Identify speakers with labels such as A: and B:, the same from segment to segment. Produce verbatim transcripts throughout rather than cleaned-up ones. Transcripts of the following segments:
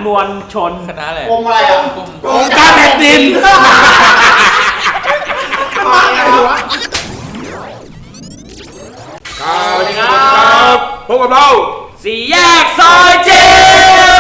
A: มวลชน
B: คณะอะไร
C: กรมอะไรอ่ะ
B: กรมการแผ่นดิน
C: มาไงวะ
B: สวัสดีครับพบกับเรา
A: สี่แยกซอยเจ็ด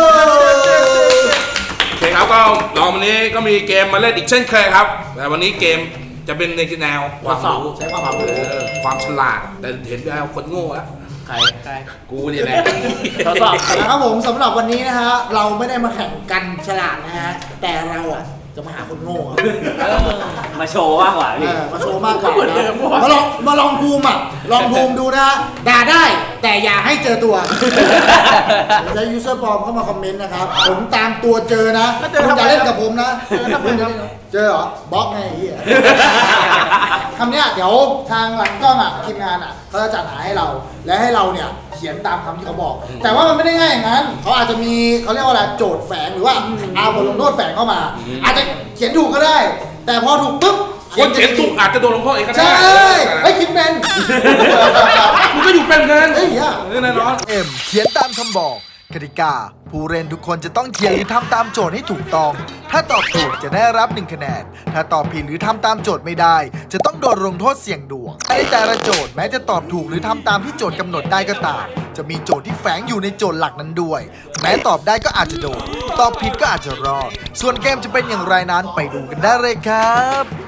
B: โอเคครับก็เราวันนี้ก็มีเกมมาเล่นอีกเช่นเคยครับแต่วันนี้เกมจะเป็นในแนวความรู้
C: ใช้ความรู้
B: เออความฉลาดแต่เห็นแล้วคนโง่แล้ว
A: ใครใคร
B: กูนี่แหละ
A: ทดสอบ
C: นะครับผมสำหรับวันนี้นะฮะเราไม่ได้มาแข่งกันฉลาดนะฮะแต่เราอ่ะจะมาหาคนโง่อะ
A: มาโชว์มากกว่า
C: เอ
A: พี่
C: อมาโชว์มากกว่านะมาลองมาลองภูมิอ่ะลองภูมิดูนะด่าได้แต่อย่าให้เจอตัวใช้ยูเซอร์ปลอมเข้ามาคอมเมนต์นะครับผมตามตัวเจอนะคุณอย่าเล่นกับผมนะเจอเหรอบล็อกไงไอ้เหี้ยคำเนี้ยเดี๋ยวทางหลังกล้องอ่ะทีมงานอ่ะเขาจะจัดหาให้เราและให้เราเนี่ยเขียนตามคำที่เขาบอก แต่ว่ามันไม่ได้ง่ายอย่างนั้นเขาอาจจะมีเขาเรียกว่าอะไรโจทย์แฝงหรือว่าเอาบทลงโทษแฝงเข้ามา อาจจะเขียนถูกก็ได้ แต่พอถูกปุ๊บ
B: คนเขียนถูกอาจจะโดนลงโทษเองก็ได้
C: ใช่ไอ้ยคิดเป็น
B: มึงก็อยู่เป็นกัน
C: เฮ้ยอ่ะ
B: แน่นอน
D: เอ็มเขียนตามคำบอกกติกาผู้เล่นทุกคนจะต้องเขียนหรือทำตามโจทย์ให้ถูกต้อง ถ้าตอบถูกจะได้รับหนึ่งคะแนน ถ้าตอบผิดหรือทำตามโจทย์ไม่ได้ จะต้องโดนลงโทษเสี่ยงดวงในแต่ละโจทย์แม้จะตอบถูกหรือทำตามที่โจทย์กำหนดได้ก็ตาม จะมีโจทย์ที่แฝงอยู่ในโจทย์หลักนั้นด้วย แม้ตอบได้ก็อาจจะโดน ตอบผิดก็อาจจะรอด ส่วนเกมจะเป็นอย่างไรนั้นไปดูกันได้เลยครับ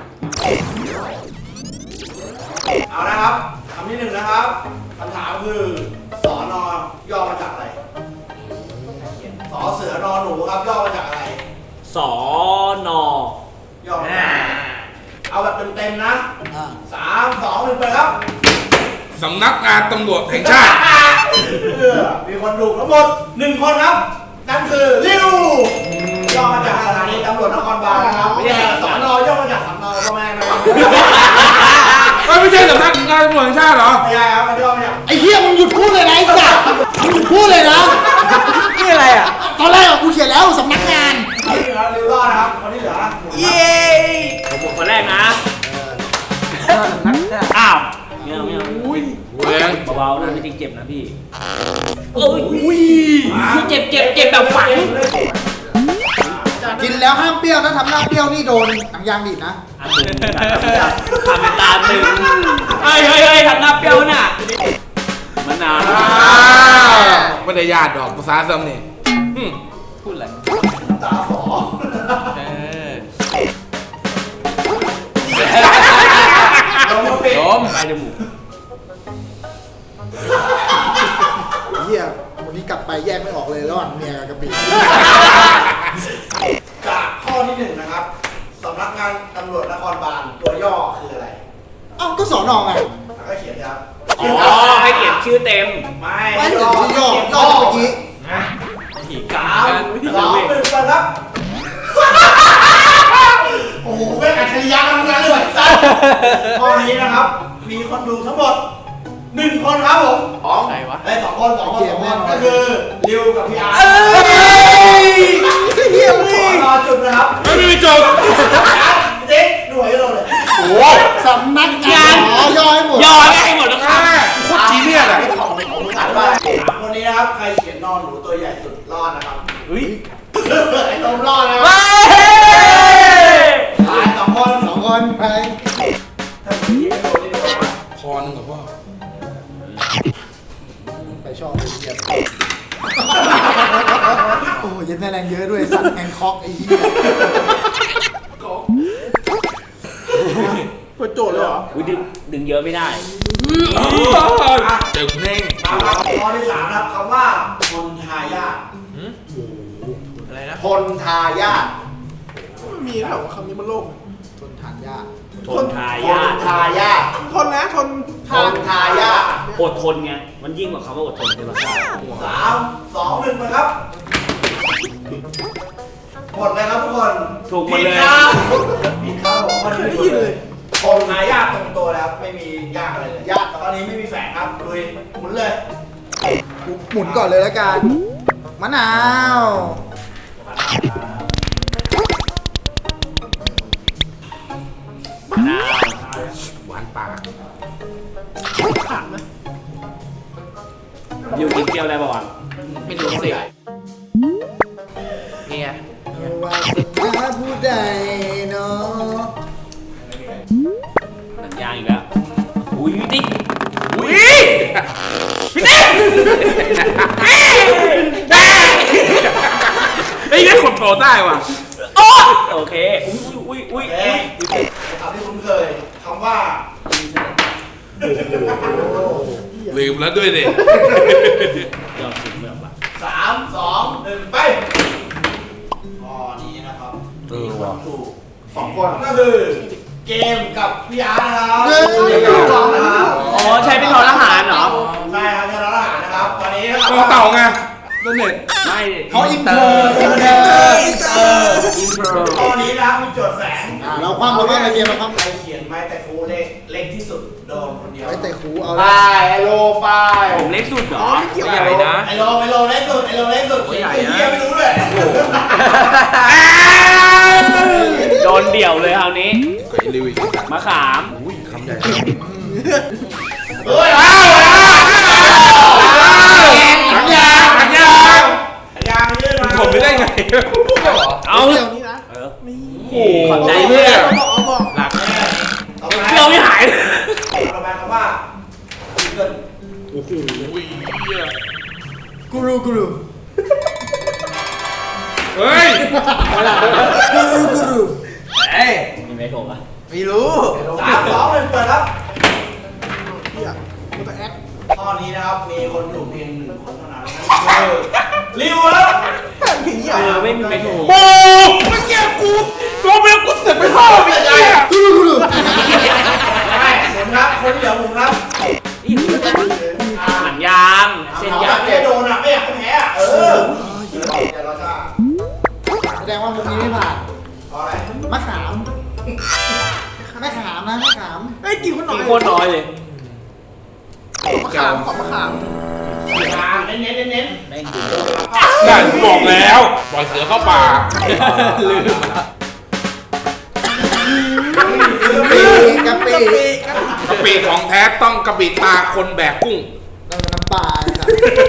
E: เอาละครับคำที่หนึ่งนะครับคำถามคือสอนอย่อมาจากอะไรสอเสือนอหนูครับย่อมาจากอะไร
A: สอน
E: ย่อมาจากอะไรเอาแบบเต็มๆนะ
C: อ่า
E: สามสองหนึ่งไปครับ
B: สำนักงานตำรวจแห่งชาติ
E: เออมีคนถูกทั้งหมดหนึ่งคนครับนั่นคือริวย่อมาจากสถานีตำรวจนครบาลนะครับไม่ใช่สอนอย่อมาจากสำเนาพ่อแม่นะครับ
B: เอ้ยไม่ใช่สำนักงานตำรวจแห่งชาติเหรอ
E: ไม่ใช่ครับมันย่อมาจาก
C: ไอ้เหี้ยมึงหยุดพูดเลยนะไอ้สัสมึงหยุดพูดเลยนะ
A: นี่อะไรอ่ะ
C: ตอนแรกอะกูเขียนแล้วสำนักงาน
E: คนที่เหลือริวรอดนะครับคนที่เหลือ
A: เย้ผมบอกคนแรกนะอ้าวไม่เอาไม่เอา
B: เว้ย
A: เบาๆนะไม่จริงเจ็บนะพี่โอ้ยเจ็บเจ็บเจ็บแบบฝัง
C: กินแล้วห้ามเปรี้ยวถ้าทำหน้าเปรี้ยวนี่โดนหนังยางดีดนะ
A: อันหนึ่งทำเป็นตาหนึ่งเฮ้ยเฮ้ยเฮ้ยทำหน้าเปรี้ยวน่ะมะนาว
B: อ้าวไม่ได้ญาติดอกภาษาซ้ำนี่อืม
A: พูดอะไร
E: ตาฝอ
A: เออ
E: ลงมาปิด
A: ล้มไปจมูก
C: ไอ้เหี้ยวันนี้กลับไปแยกไม่ออกเลยระหว่างเมียกับกะปิ
E: จากข้อที่หนึ่งนะครับสำนักงานตำรวจนครบาลตัวย่อคืออะไร
C: เอ้าก็สอนอไง
E: แล้วก็เขียนครับ
A: อ๋อให้เขียนชื่อเต็ม
E: ไม่
C: ไม่เขียนชื่อย่อย่อเมื่อกี้
E: นะ
A: ผีกา
E: สามสองหนึ่งไปครับ โอ้โหเป็นอัจฉริยะทำงานเลยสัสข้อนี้นะครับ มีคนดูทั้งหมดหนึ่งคนครับผมสอง
A: ใครวะ
E: ไอ้ยสองคนสองคนสองคนก็คือริวกับพี่อาร์ต
C: เหี้ย
E: ข
C: มึ
E: อง รอจุดนะครับ
B: ไม่มีโจทย์
E: เจ๊หน่วยให้เราเลย
B: โอ้
C: สำนักงานอ๋อย่อให้หมด
A: ย่อได้หมดแล้วค่ะ
B: โคตรจีเนียสอะ
E: ของของถามว่าสามคนนี้นะครับ ใครเขียนนอนหนูตัวใหญ่สุดรอดนะครับ
A: เฮ้ย
E: ไอ้ตมรอดนะค
A: เฮ้
E: รับตายสองคน
C: สองคนไป
E: ถ้าผีไม่โดนนี่โดนว่า
B: พอหนึ่งกับพ่อ
C: ไปชอบไปเยี่ยมโอ้ยยันแม่แรงเยอะด้วยสัตว์แอนคอกไอ้เหี้ย
E: เปิดโจทย์เลยเหรอ
A: อุ๊ยดึงดึงเยอะไม่ได้
B: เจอคุณเน่ง
E: มาครับข้อที่สามนะครับคำว่าพลทายาท
A: อะไรนะ
E: พลทายาท
F: มีแถวคำนี้มันโลก
C: ทนทานยาก
A: ทนทา
E: พ
A: ยา
E: ล
A: ท
E: ทายาท
F: ทนนะทน
E: พลทายาท
A: อดทนไง มันยิ่งกว่าคำว่าอดทนใช่ปะ
E: สามสองหนึ่งไปครับหมดเลยครับทุกคน
A: ถูกหมดเลย
E: ผิครับผิดครับผมมันไม่ได้ยินเลยพลทายาทตรงตัวแล้วไม่มียากอะไรเลยยากตอนนี้ไม่มีแฝงครับลุยหมุนเลย
C: กูหมุนก่อนเลยแล้วกันมะนาว
A: มะนาว
B: หวานปาก
A: อยู่กินเปรี้ยวได้ป่าวะ
B: ไม่รู้สิโตได้ว่ะ
A: โอเค อุ้ยอุ้ยอุ้ย
E: โอเค
A: อุ้ย
E: คำที่คุ้นเคยคำว่า
B: ลืมแล้วด้วยดิ
A: ยอมถึงแบบว่า
E: สามสองหนึ่งไปข้อนี้นะครับมีคนถูกสองคนก็คือเกมกับพี่อาร์ตนะครับ
C: เฮ้ย
E: เกมกับสองนะครับ
A: อ๋อใช้เป็นทอทหารเหรอ
E: ใช่ครับใช่ทหารนะครับตอนนี้นะครับ
B: ต่อเต่าไงนั่นเน็ต
A: ไม่
C: เขาอินเตอร์อินเตอร์
A: อินเตอร์อินเตอร์
E: ข้อนี้นะครับมีโจทย์แสง
C: อ่าเราคว่ำเราคว่ำในเกมเราคว่ำ
E: ใครเขียนไม้แต่ครูเลขเล็กที่สุดโดนคนเดียว
C: ไว้เตะคูเอา
E: ไปไอโลไป
A: ผมเล็กสุดเหรอ
F: ไม่
A: ใหญ่นะ
E: ไอโลไอโลเล็กสุดไอโลเล็กสุดเขียนไอเหี้ยไม่รู้เลย
A: โดนเดี่ยวเลยคราวนี้
B: ไอ้ลิวอีก
A: มะขาม
B: อุ้ยคำใหญ่
E: เฮ้ย
B: ถังยางถังยาง
E: ยางยื่นมา
B: ผมไม่ได้ไง
A: เอา
F: เดี๋ยวนี้นะ
A: เออขอบใจเพื่อน
F: บอกเอาบอก
E: หลักแน่ต่อไป
A: เปรี้ยวไม่หายเลย
E: ต่อไปคำว่าเกิน
B: โอ้โหเหี้ย
C: กูรูกูรู
B: เฮ้ย
C: กูรูกูรู
A: เอ้ยมีไม่โกงอ่ะ
F: ไม่รู้
E: สามสองหนึ่งเปิดครับ
F: เฮียมันจะแอค
E: ข้อนี้นะครับมีคนถูกเพียงหนึ่งคนเท่านั้นคือริวครับ
F: แค่ผีอ่ะ
A: เออไม่มีไม่ถูก
B: โอ้เมื่อกี้กูตัวเบลกูเสือกไปพ่อไปไงอ่ะ
C: กูรูกูรู
E: ใช่ผมครับคนเดียวผมครับ
A: หนังยางเส้น
E: เขาอย
A: าย
E: าง กให้โดนอ่ะไม่อยากให้แพ้อ่ะเออแต่เราจะ
C: แสดงว่ามุมนี้ไม่ผ่าน
E: เพราะอะไร
C: มะขามมะขามนะมะขาม
F: ไอ้ยกินคนหน่
A: กิ
F: อน ย
A: โคตรน้อยเลย
F: มะขามขอบมะขาม
E: ยางเน้นเน้นเน้นเน้น
A: แม่งกิน
B: ได้กูบอกแล้วปล่อยเสือเข้าป่า
A: ลืม
C: กะปิ
B: กะปิของแท้ต้องกะปิตาคนแบกกุ้ง
C: เราน้ำปลาครับ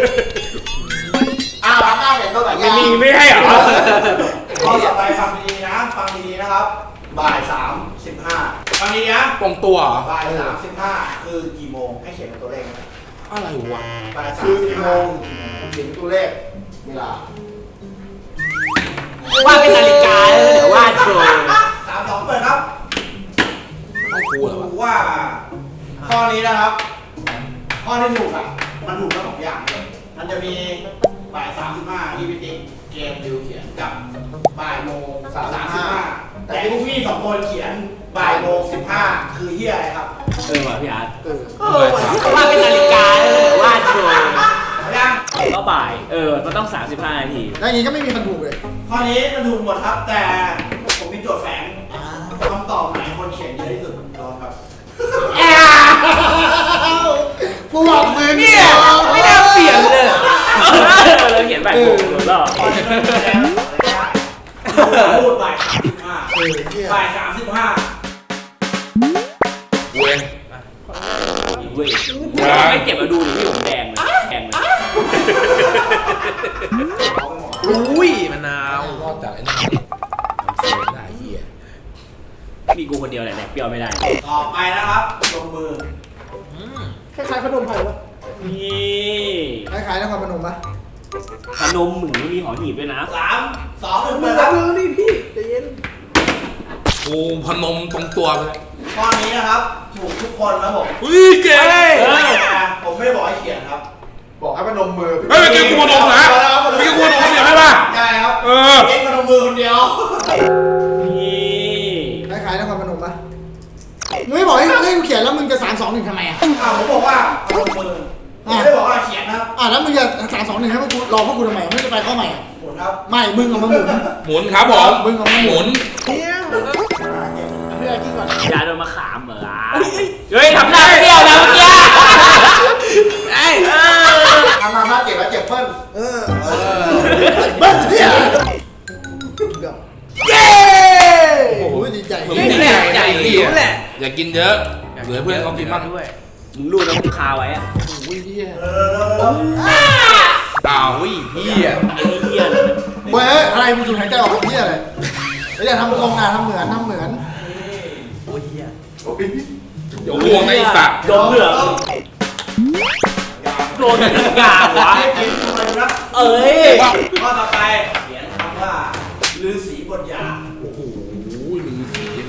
E: อ้าวอ้าวเห็นเท่าไหร่
A: ไม่มีไม่ให้เหรอ
E: ข้อต่อไปฟังดีๆนะฟังดีๆนะครับบ่ายสามสิบห้าฟังดีๆนะ
B: ตรงตัวเหรอ
E: บ่ายสามสิบห้าคือกี่โมงให้เขียนเป็นตัวเลขนะ
B: อะไรวะ
E: บ่ายสามสิบห้าเขียนเป็นตัวเลขเวลา
A: ว่าเป็นนาฬิกาเลยเดี๋ยววาดโชว์
E: สามสองเปิดครับ
B: ต้องกูเหรอวะ
E: ดูว่า ข้อนี้นะครับ ข้อที่ถูกอ่ะ มันถูกทั้งสองอย่างเลย มันจะมีบ่ายสามสิบห้าที่พิติกเกมดิวเขียนกับบ่ายโมงสามสิบห้าแต่ที่พวกพี่สองคนเขียนบ่ายโมงสิบห้าคือเฮียอะไรครับ
A: เออว่ะพี่อาร์ต
F: เออว่ะ
A: ว่าเป็นนาฬิกาเลยเดี๋ยววาดโชว์
E: เอายัง
A: ก็บ่าย เออ มันต้อง สามสิบห้านาที
C: แล้วอย่างนี้ก็ไม่มีคนถูกเลย
E: ข้อนี้มันถูกหมดครับ แต่ผมมีโจทย์แฝงคำตอบไหนคนเขียนเยอะที่สุดโดนครับ
C: กูบอกมึง
A: เนี่ยไม่น่าเปลี่ยนเลยเราเขียนแบบถูกหรือเปล่า
E: ข้อนี้มันแสดงพูดบ่ายสามสิบห้าบ่ายสามสิบห้า
B: เว้ย
A: เว้ยไม่เก็บมาดูดิพี่ผมแดงเลยแดงเลย
F: อุ้ยมะนาว
B: รอดจากไอ้นั่นเสือหน้าเหี้ย
A: มีกูคนเดียวแหละแดกเปรี้ยวไม่ได้
E: ต่อไปนะครับลงมือ
F: คล้ายๆขนมไผ่ปะ
A: นี่
C: คล้ายๆนครพนมปะ
A: ขนมหมูมีหอหีบด้วยนะ
E: สามสองหนึ่ง
F: มึ
E: เปิ
F: ง
E: ดค
F: รั
E: รั
F: บบ มือดิพี่ใจเย็น
B: กูพนมตรงตัวไปเลย
E: ข้อนี้นะครับ ถูกทุกคนครับผม
B: เฮ้ยเก๋เฮ้ย
E: แต่ผมไม่ได้บอกให้เขียนครับ
C: บอกให้พนมมือ
B: เมื่อกี้กูพนมนะเมื่อกี้กูพนมเดี๋ยวให้ป่ะ
E: ใช่ครับ
B: เออ
E: เอ็กซ์พนมมือคนเดียว
A: นี่
C: คล้ายๆนครพนมปะมึงไม่บอกให้ให้กูเขียนแล้วมึงจะสามสองหนึ่งทำไมอ่ะ
E: อ่าผมบอกว่าพนมมือผมไม่ได้บอกว่าเขียนนะครับ
C: อ่ะแล้วมึงจะสามสองหนึ่งให้พวกกูรอพวกกูทำไมไม่จะไปข้อใหม่อ่ะ
E: หมุนครับ
C: ไม่มึงเอามาหมุน
B: หมุนครับผม
C: มึงเอามาห
B: ห
C: มุ
B: มุ
C: น
B: น
F: เฮียพี่อากินก่อน
A: ยาโดนมะขามเหรอเฮ้ยทำหน้าเปรี้ยวนะเมื่อกี้ไอ้
E: ทำมามาเจ็บแล้วเจ็บเพิ่น
F: เออ
C: เบิ้ลเฮีย
A: เย้
C: โอ้โหดีใจ
B: มึงดีใจใหญ่ดิอย่ากินเยอะเหลือเพื่อนเขากินบ้าง
A: มึงรู้แล้วมึงคาไว้อะ
C: อุ้ยเฮีย
E: เออ
B: อ้าวอุ้ยเฮีย
A: ไอ้นี่เหี้ยเลยนะ
C: เว้ยอะไรมึงสูดหายใจออกเฮียอะไรแล้วอย่าทำทรงนะทำเหมือนทำเหมือน
B: เดี๋ยวห่วงไอ้สัตว์
A: โดนเหลืองโดนทุกอย่างวะ
E: ให้กินทำไมนะ
A: เอ้ย
E: ข้อต่อไปเขียนคำว่า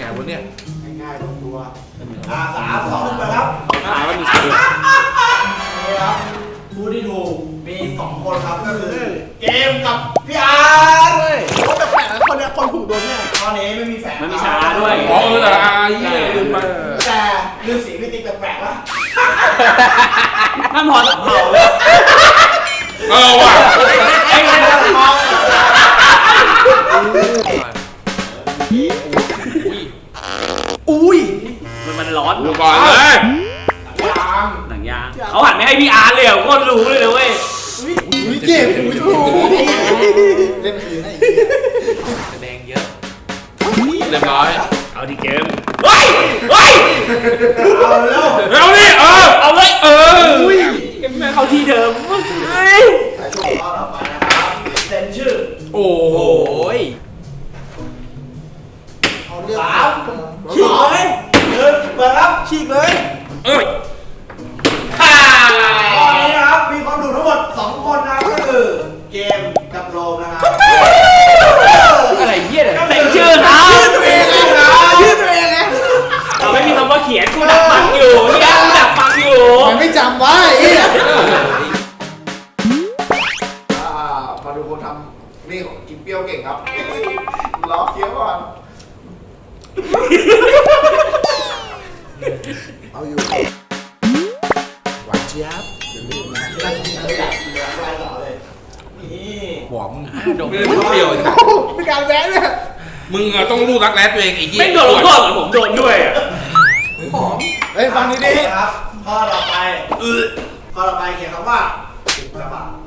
B: วะเนี่ย
E: ง่ายๆลงตัวอ่าสามสองหนึ่งไปครับ
A: ขายว่ามีชื่อ
E: นี่ครับผู้ที่ถูกมีสองคนครับก็คือเกมกับพี่อาร์ต
F: เฮ้ยโอ้แต่แปลกนะคนเนี้ยคนถูกโดนเนี่ย
E: ตอนนี้ไม่มีแฝง
A: มันมีชาด้วย
B: อ๋อเออแต่อาเหี้ยลืมไป
E: แต่ฤาษีพี่ติ๊กแปลกๆวะ
A: ท่านพอสัมเภา
B: เออว่ะ
A: ไอ้เรื่องมองอุ้ยมันมันร้อน
B: ดูก่อนเลย
E: ยัง
A: หนังยางเขาหันไม่ให้พี่อาร์ตเลยอ่ะโคตรรู้เลยนะเว้ย
C: อุ้ยเจ็บอุ้ยถูกเล่นคืนให้
F: แสดงเยอะ
B: เรียบร้อย
A: เอาดีเกมเฮ้ยเฮ้ย
E: เอาเร็ว
B: เร็วนี่เออ
A: เอาเลย
B: เออ
A: เข้าที่เดิมเฮ้ย
E: ไปช่วงต่อไปนะครับเซ็นชื่อ
B: โอ้โห
F: ย
C: เอาเรื่อง
E: สามสองหนึ่งเปิดครับ
F: ฉีกเลย
B: เอ้ย
A: ฮ่า
E: ตอนนี้นะครับมีคนดูทั้งหมดสองคนนะครับก็คือเกมกับโรมนะครับ
F: อะไรเหี้ยเนี่ย
A: เซ็นชื่อเขา
E: ตัวเองนะ
F: ชื่อตัวเองไง
A: เราไม่มีคำว่าเขียนกูดักฟังอยู่เนี่ยกูดักฟังอยู่
C: มันไม่จำไว้ไอ้เหี้ย
E: อ่ามาดูคนทำนี่กินเปรี้ยวเก่งครับรอเคี้ยวก่อน
C: เอาอยู่
B: หวานเจี๊ยบ
E: นั่งกินอะไรอย่างเงี้ยไล่ต่อเลยนี่
B: บอกมึงไม่ได้เปรี้ยวไอ้สัส
F: มีการแวะเนี่ย
B: มึงอะต้องรู้รักแร้ตัวเองไอ้เหี้ย
A: ไม่โดนลงโทษเหมือนผมโดนด้วยอ่ะ
C: เฮ้ยฟังดี
E: ครับข้อต่อไปข้อต่อไปเขียนคำว่าอุกกาบาต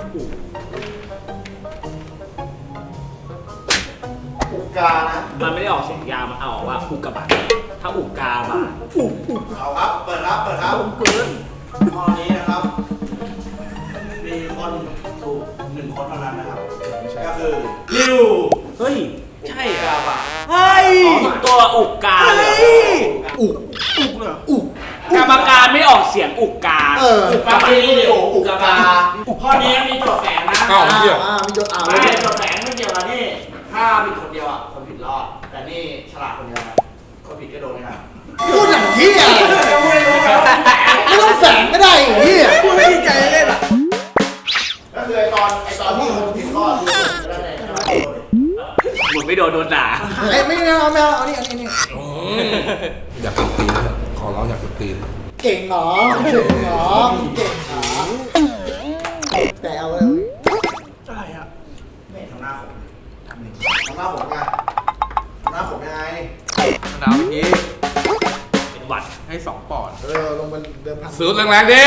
E: อุกกานะ
A: มันไม่ได้ออกเสียงยาวมันเอาออกว่าอุกกาบาตถ้าอุกกาบาต
E: เอาครับ เปิดครับ เปิดครับเกินข้อนี้นะครับ มีคนถูกหนึ่งคนเท่านั้นนะครับ ก็คือลิว
A: เฮ้ย ใช่
E: อุก
A: อ่ะ
E: กาบาต
F: เฮ้ย
A: อ๋อถูกตัวอุกกาเลย
C: ๆอุก
F: อุกเหรอ
C: อุก
A: กรรมการไม่ออกเสียงอุกกา
C: เออ
A: อุกกาบาต
E: ลิวอุกกาบาตข้อนี้มีโจทย์แฝงนะ
B: อ้าวเหี้ย
C: อ่ามีโจทย์อ่า
E: ไม่โจทย์แฝงไม่เกี่ยวกับนี่ ถ้าผิดคนเดียวอ่ะ คนผิดรอด แต่นี่ฉลาดคนเดียวนะคนผิดก็โดนนะครับ
C: พูดอย่างเหี้ย
E: ไม่รู้ครับ
C: ไม่ต้องแฝงก็ได้ไอ้เหี้ย
F: พูดไม่ดีใจเล่นอ่ะ
E: ก็คือไอตอนไอตอนที่คนผิดรอดคือก็ได้เลยใช่ไหม
A: หมดไม่โดนโดนด่า
C: ไอ้ยไม่เอาไม่เอาเอานี่เอานี่นี่
B: อืมอยากกินตีนเลยขอร้องอยากกินตีน
C: เก่งเหรอเก่งเหรอเก่งเหรอแต่เอาเลย
F: อะไรอ่ะ
E: ไม่ทำหน้าผมทำหน้าผมไงทำหน้าผมยังไง
F: มะนาวเมื่อกี้
A: เป็นหวัด
F: ให้สองปอนด์
C: เออลงไปเดิมพัน
B: สูดแรงๆดิ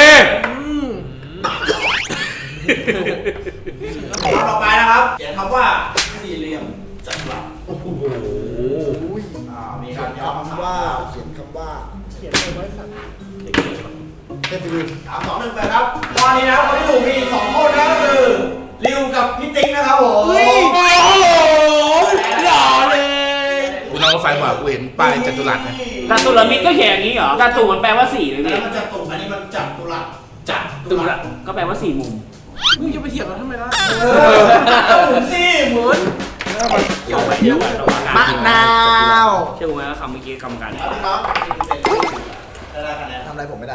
E: ข้อต่อไปนะครับเขียนคำว่าสี่เหลี่ยมจัตุรัส
C: โอ้โห
E: อ่ามี
C: เขี
E: กาย ร
C: น
E: ย้ำ
C: คำว่าเขียนคำว่า
F: เขียนเลยไว้สัตว์
C: เทพบุตร
E: สามสองหนึ่งไปครับข้อนี้นะครับคนที่ถูกมีสองคนนะก็คือริวกับพี่ติ๊กนะครับผม
A: หล่อเลย
B: กูนั่งรถไฟมากูเห็นป้ายจัตุรัสนะ
A: จตุรมิตรก็เขียนอย่างนี้เหรอจตุมันแปลว่าสี่เลย
E: แล้
A: พี่
E: วมันจัตุอันนี้มันจัตุรัส
A: จัตุระก็แปลว่าสี่มุม
F: มึงจะไปเถียงกันทำไมล่ะ
E: เออหมุนสิหมุน
A: เกี่ยวไปเดียวกันระหว่าง
C: มะนาว
A: เชื่อไหมว่าคำเมื่อกี้กรรมการ
E: เอาน้องได้ได้คะแนน
C: ทำอะไรผมไม่ได้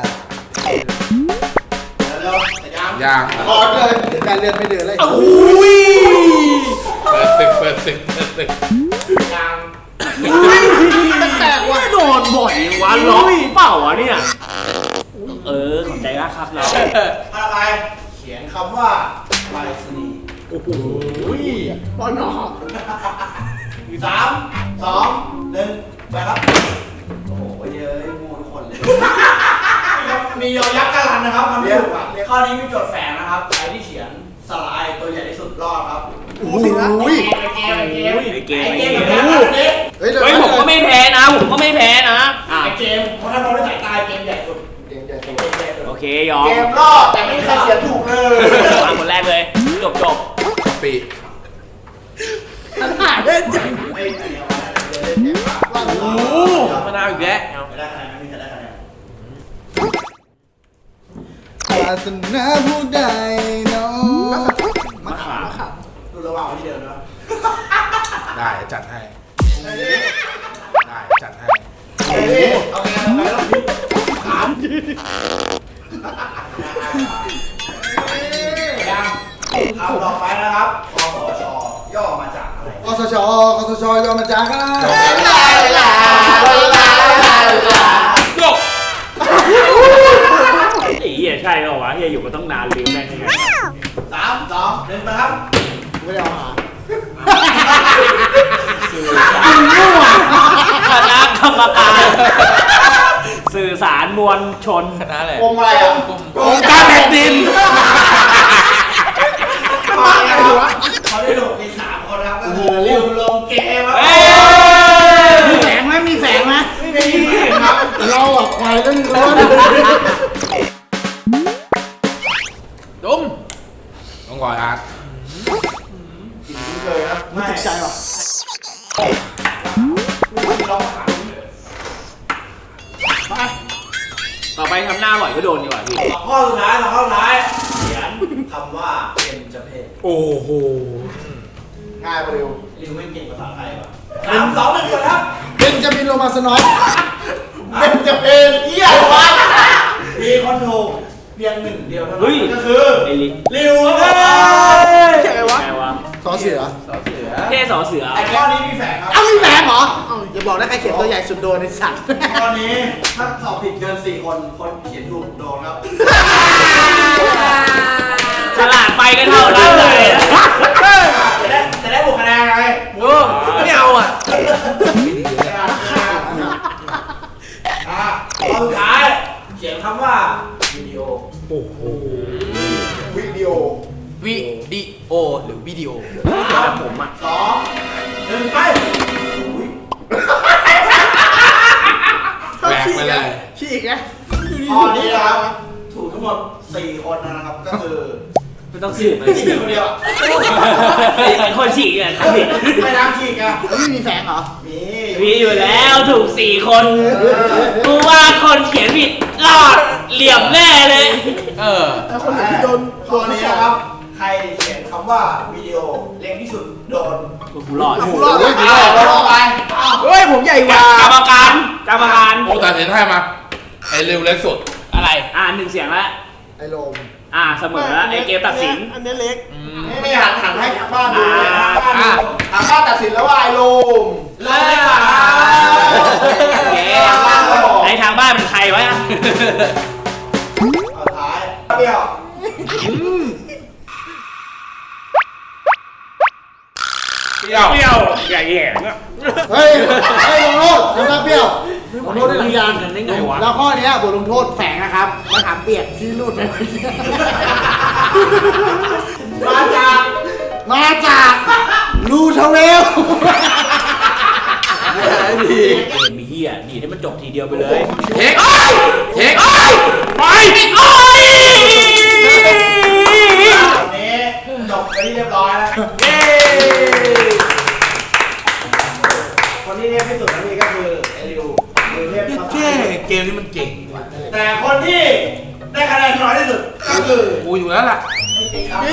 E: เร็วๆแต่ยัง
B: ยาง
C: รอเลยเดี๋ยวการเรียนไม่เดือนเลย
A: อุ้ย
B: เปิดศึกเปิดศึกเปิดศึก
E: ยัง
A: แปลกว่าโดนบ่อยวะล็อกเปล่าวะเนี่ยเออขอบใจมากครับเรา
E: ข้อต่อไปเขียนคำว่าไปรษณีย์
A: โอ้โห
F: ปอนด์หนอ
E: สามสองหนึ่งไปครับ โอ้โหเยอะงูทุกคนเลย มียอยักษ์กะลันนะครับคำที่ถูกอ่ะข้อนี้มีโจทย์แฝงนะครับใครที่เขียนสลายตัวใหญ่ที่สุดรอดครับ
C: โอ้โห
E: ไอเกมไอเกม
A: ไอเกม
E: ไอ
A: ไอ
E: เก
A: เก
E: ม
A: ม
E: แบบนี้
C: เฮ้ย
A: เฮ้ยผมก็ไม่แพ้นะผมก็ไม่แพ้นะอ่ะ
E: ไอเกมเพราะถ้ามองด้วยสายตาเกมใหญ่สุด
C: เก่งใหญ่
E: เก
C: โต
E: มใหญ่สุด
A: โอเคยอม
E: เกมรอดแต่ไม่มีใครเขียนถูกเลย
A: มาคนแรกเลยจบจบ
B: ปี
F: หาเล่นจัง
E: ไม่อันนี้เอาไว้เดี๋ยวเล่นเกมว่า
F: โอ้มะนาวอีกแล้ว
E: ไม่ได้คะแนนไม่มีใครได้คะแนน
C: ศาสนาผู้ใดเนาะ
E: มะขามมะขามดูระหว่างที่เดินนะ
B: ได้จัดให้ได้
E: ยังคำต่อไปนะครับคสชย่อมาจากอะไร
C: กสชกสชยอมมาจากกัน
B: โยก
A: ไอ้เหี้ยใช่เหรอวะเหี้ยอยู่มาต้องนานลืมแม่งยังไง
E: สามสองหนึ่งมาครับ
C: ไม่ได้เอาหา
A: คณะกรรมการ สื่อสารมวลชน
F: คณะอะไร
E: กรมอะไรอ่ะ
B: องค์การแผ่นดิน
E: เขาได้หลบในสามคนครับก็คือริวลงเกมครับ
C: มีแสงไหมมีแสงไหม
E: ไม่มีครับ
C: เราอ่ะควายเรื่องร้อน
F: ดม
B: ต้องก่อนอาร์ต
E: ไม่เคยครับ
C: ไม่ติดใจหรอก
E: ไม่มีลองถาม
A: ต่อไปทำหน้าอร่อยก็โดนดีกว่าพี่
E: สองข้อสุดท้ายสองข้อสุดท้ายเขียนคำว่าเป็นจะเพศ
B: โอ้โห
C: ง่ายกว่าเร็ว
E: ริวไม่เก่งภาษาไทยป่ะสามสองหนึ่งก่อนครับ
C: เป็นจะมีโรมาสนอย
E: เป็นจะเพศเยี่ยมวะมีคนถูกเพียงหนึ่งเดียวเท่านั้นก็คือ
A: ไอ้ลิ
E: ริวครับ
F: ใช่ไหมวะ
A: ไงวะ
C: สอเสือ
F: สอเสือ
A: เท่สอเสือ
E: ไอ้ข้อนี้มีแฝงครับ
C: เอ้ามีแสงเหรอเอ้าอย่าบอกนะใครเขียนตัวใหญ่สุดโดนในสัตว์
E: ข้อนี้ถ้าสอบผิดเกินสี่คนคนเขียนถูกโดนครับ
A: ฉลาดไปก็เท่านั้นเลย
E: จะได้จะได้บวกคะแนนไง
F: โอ้ไม่เอาอ่ะ
E: อ่ะข้อสุดท้ายเขียนคำว่าวิดีโอ
B: โอ้โห
E: วิดีโอ
F: วิดีโอหรือวิดีโอ
E: สาม
A: ผมอ่ะ
E: สองหนึ่งไปอุ๊ย
B: แหวกไปเลย
F: ฉีกนะ
E: ข้อนี้นะครับถูกทั้งหมดสี่คนนะครับก็คือ
A: ไม่ต้องสืบเลย
E: ที่หนึ่งคนเดียวอะ
A: ไอ้คนฉีกเนี่ยผิด
E: ไม่น้ำฉีกอะ
C: ไม่มีแสงเหรอ
E: มี
A: มีอยู่แล้วถูกสี่คนกูว่าคนเขียนผิดรอดเหลี่ยมแน่เลย
F: เออ
C: แล้วคนอื่นที่โดน
E: ข้อนี้นะครับใครเขียนคำว่าวิดีโอเร็วที่สุดโดน
A: กูรอด
C: กูรอด
E: เฮ้ย
C: กู
E: เอา
C: รอด
E: เอาไปเอา
F: เฮ้ยผมใหญ่กว่าก
A: รรมการกรรมการ
B: โอ้แต่เห็นให้มา ไอ้เร็วเล็กสุด
A: อะไรอ่าหนึ่งเสียงแล้ว
C: ไอ้โลม
A: อ่าเสมอแล้วไอ้เกมตัดสิน
C: อันนี้เล็ก
E: นี่ไม่หันหันให้บ้านดูเลย
A: อ่า
E: บ้านดูทางบ้านตัดสินแล้วว่าไอ้ลูมลงดีกว่า
A: โอเคไอ้ทางบ้านเป็นใครวะ
E: เอาท้ายเปรี้ยว
B: เปรี้ยว
A: เปรี้ยวอย่าแหย่งอ่ะ
C: เฮ้ยเฮ้ยลงโทษทำหน้าเปรี้ยวลงโทษด้วยหลังยาง
A: กันได้ไงวะ
C: แล้วข้อเนี้ยบทลงโทษแฝงนะครับมะขามเปียกที่รูดไปเมื่อกี้
E: มาจาก
C: มาจากลูทเวล
A: เกมมีเหี้ยดีให้มันจบทีเดียวไปเลย
B: เทคเทคไป
A: โอ้ย
E: ตอนนี้จบไปที่เรียบร้อยแล้ว
A: เย้
E: คนที่เทพที่สุดนั่นเองก็คือไอ้ริวริวเทพภาษา
B: เจ๊เกมนี้มันเก่ง
E: แต่คนที่ได้คะแนนน้อยที่สุดก็คือ
B: กูอยู่แล้วล่ะ
E: พี่ติ๊กครับ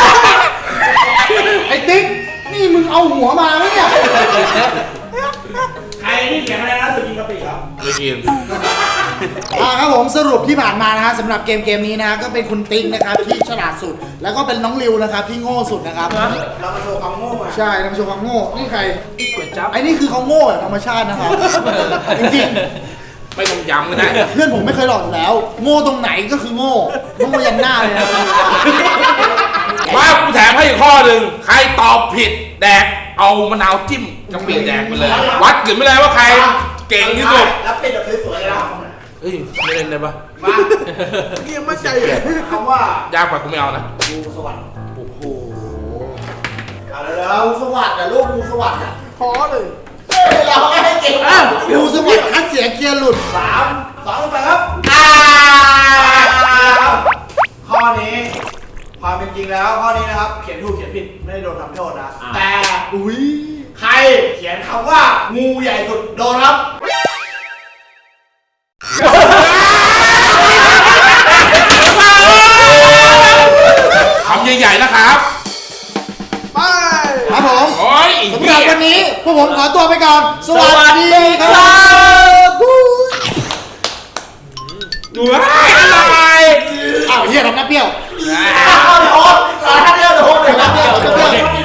C: ไอ้ติ๊กนี่มึงเอาหัวมาไหมเนี่ย
E: ใครที่เขียนคะแนนน้อยสุดยิงกะปิครับ
B: ไม่กิน
C: อ่าครับผมสรุปที่ผ่านมานะฮะสำหรับเกมเกมนี้นะฮะก็เป็นคุณติ๊กนะครับที่ฉลาดสุด แล้วก็เป็นน้องริวนะครับที่โง่สุดนะครับ
E: เรามาโชว์ความโง่อะ
C: ใช่นำโชว์ความโง่นี่ใคร
F: ก๋วยจั๊บ
C: ไอ้นี่คือเขาโง่แบบธรรมชาตินะครับจริง
B: ไม่ต้องย้ำกันนะ
C: ๆเพื่อนผมไม่เคยหลอกอยู่แล้ว โง่ตรงไหนก็คือโง่โง่ยันหน้าเลยนะ
B: มากูแถมให้อีกข้อหนึ่งใครตอบผิดแดกเอามะนาวจิ้มกะปิแดกไปเลย วัดกันไปเลยว่าใครเก่งที่สุด
E: แล้วปิดแบบสวยๆเลยนะ
B: เฮ้ยไม่เล่นได้ปะ
E: มา
C: เกียไม่ใจ
E: คำว่าย
B: ากกว่ากูไม่เอานะ
E: งูสวัสดิ์
B: โอ้โห
E: เอาแล้วงูสวัสดิ์อะลูกงูสวัสดิ์อะ
C: พอเลย
E: เฮ้ยเราไม่เก่ง
C: อ้าวดูสวัสดิ์คัดเสียเกียร์หลุด
E: สามสองไปครับอ้าว ข้อนี้ความเป็นจริงแล้วข้อนี้นะครับ เขียนถูกเขียนผิดไม่ได้โดนทำโทษนะ แต่
C: อุ้ย
E: ใครเขียนคำว่างูใหญ่สุดโดนครับ
B: คำใหญ่ๆนะครับ
C: ไปครับผม
B: โอ้ย
C: สำหรับวันนี้พวกผมขอตัวไปก่อน สวัสดีครับ
B: ว้ายอะไร
C: อ้าวเฮียทำหน้าเปรี้ยว
E: เอาโดนเอาถ้าเดียวโดนเลยนะเดียว